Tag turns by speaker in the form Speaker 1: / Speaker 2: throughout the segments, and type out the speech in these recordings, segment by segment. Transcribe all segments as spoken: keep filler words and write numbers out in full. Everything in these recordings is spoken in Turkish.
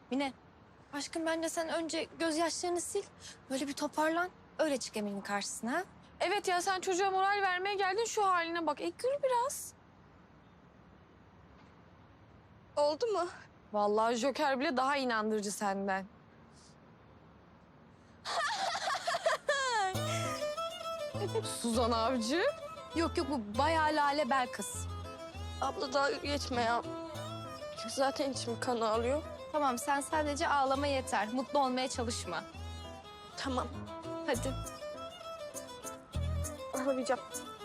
Speaker 1: Mine, aşkım bence sen önce gözyaşlarını sil. Böyle bir toparlan. Öyle çık Emin'in karşısına. Ha?
Speaker 2: Evet ya sen çocuğa moral vermeye geldin şu haline bak. E gül biraz.
Speaker 1: Oldu mu?
Speaker 2: Vallahi Joker bile daha inandırıcı senden. Suzan Avcı.
Speaker 1: Yok yok bu bayağı Lale Bel kız.
Speaker 3: Abla dalga geçme ya. Zaten içim kan ağlıyor.
Speaker 1: Tamam sen sadece ağlama yeter. Mutlu olmaya çalışma.
Speaker 3: Tamam.
Speaker 1: Hadi.
Speaker 3: Ağlayacağım.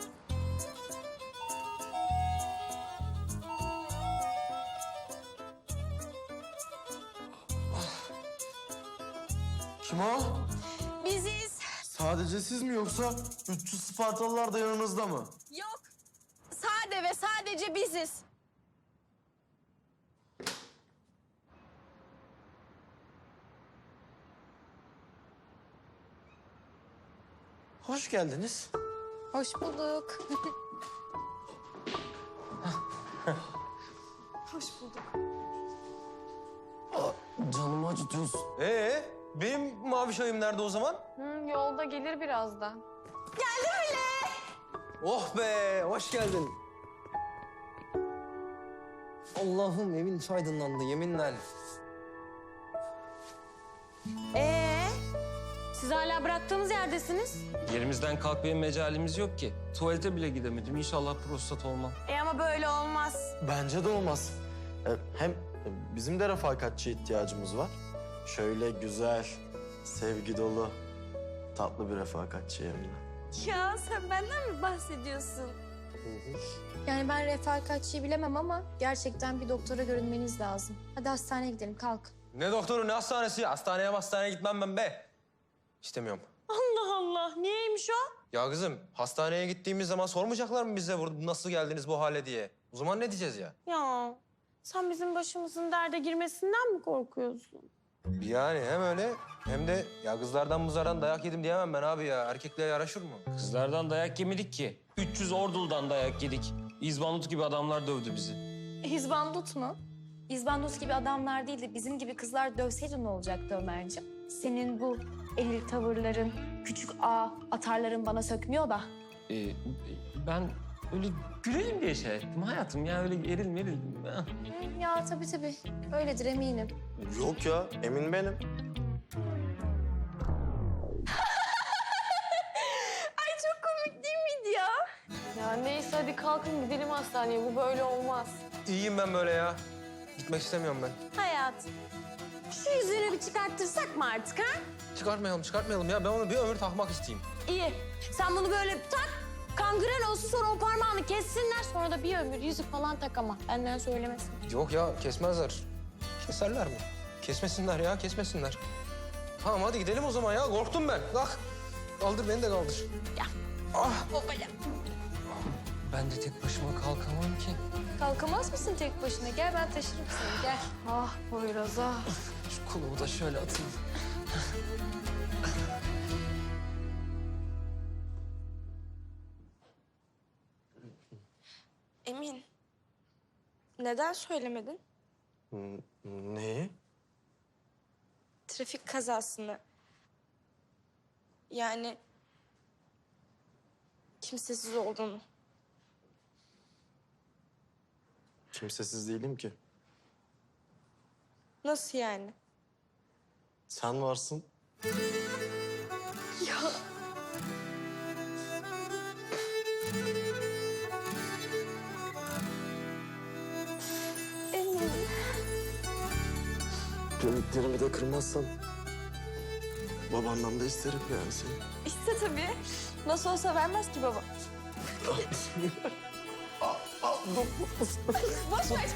Speaker 4: Kim o?
Speaker 1: Biziz.
Speaker 4: Sadece siz mi yoksa üç yüz Spartalılar da yanınızda mı?
Speaker 1: Yok. Sade ve sadece biziz.
Speaker 4: Hoş geldiniz.
Speaker 1: Hoş bulduk.
Speaker 4: Canımı acıtıyorsun.
Speaker 5: Ee, benim mavi çayım nerede o zaman?
Speaker 2: Hı, yolda gelir birazdan.
Speaker 5: Oh be, hoş geldin. Allah'ım evin aydınlandı yeminle.
Speaker 6: Ee, siz hala bıraktığımız yerdesiniz.
Speaker 5: Yerimizden kalkmaya mecalimiz yok ki. Tuvalete bile gidemedim. İnşallah prostat olmam.
Speaker 6: E ama böyle olmaz.
Speaker 4: Bence de olmaz. Ee, Hem bizim de refakatçi ihtiyacımız var. Şöyle güzel, sevgi dolu, tatlı bir refakatçi Emine.
Speaker 6: Ya sen benden mi bahsediyorsun?
Speaker 1: Yani ben refakatçiyi bilemem ama gerçekten bir doktora görünmeniz lazım. Hadi hastaneye gidelim kalk.
Speaker 5: Ne doktoru ne hastanesi? Hastaneye hastaneye gitmem ben be. İstemiyorum.
Speaker 6: Allah Allah, niyeymiş o?
Speaker 5: Ya kızım hastaneye gittiğimiz zaman sormayacaklar mı bize burada nasıl geldiniz bu hale diye? O zaman ne diyeceğiz ya?
Speaker 6: Ya sen bizim başımızın derde girmesinden mi korkuyorsun?
Speaker 5: Yani hem öyle hem de ya kızlardan mızardan dayak yedim diyemem ben abi ya. Erkekle yaraşır mı?
Speaker 7: Kızlardan dayak yemedik ki. üç yüz orduldan dayak yedik. İzbandut gibi adamlar dövdü bizi.
Speaker 1: İzbandut mu? İzbandut gibi adamlar değil de bizim gibi kızlar dövseydi ne olacaktı Ömerciğim? Senin bu eril tavırların, küçük ağ atarların bana sökmüyor da.
Speaker 7: Ee, ben öyle gülelim diye şey ettim hayatım ya. Öyle eril meril. Ah.
Speaker 1: Hı, Ya tabii tabii. Öyledir eminim.
Speaker 4: Yok ya, Emin benim.
Speaker 6: Çok komik değil miydi ya?
Speaker 2: Ya neyse hadi kalkın gidelim hastaneye. Bu böyle olmaz.
Speaker 5: İyiyim ben böyle ya. Gitmek istemiyorum ben.
Speaker 6: Hayat, şu yüzüğünü bir çıkarttırsak mı artık ha?
Speaker 5: Çıkartmayalım çıkartmayalım ya. Ben onu bir ömür takmak isteyeyim.
Speaker 6: İyi, sen bunu böyle tak, kangren olsun sonra o parmağını kessinler. Sonra da bir ömür yüzük falan tak ama benden söylemesin.
Speaker 5: Yok ya kesmezler. Keserler mi? Kesmesinler ya kesmesinler. Tamam hadi gidelim o zaman ya. Korktum ben. Kalk. Kaldır beni de kaldır.
Speaker 6: Babaya.
Speaker 7: Ben de tek başıma kalkamam ki.
Speaker 1: Kalkamaz mısın tek başına? Gel ben taşırım seni gel.
Speaker 2: Ah Poyraz ah.
Speaker 7: Şu kolumu da şöyle atayım.
Speaker 3: Emin. Neden söylemedin?
Speaker 4: N- Neyi?
Speaker 3: Trafik kazasını. Yani kimsesiz olduğunu.
Speaker 4: Kimsesiz değilim ki.
Speaker 3: Nasıl yani?
Speaker 4: Sen varsın.
Speaker 3: Emin.
Speaker 4: Ümitlerimi de kırmazsan babandan da isterim yani seni.
Speaker 3: İşte tabii. Nasıl olsa vermez ki baba. Boş ver.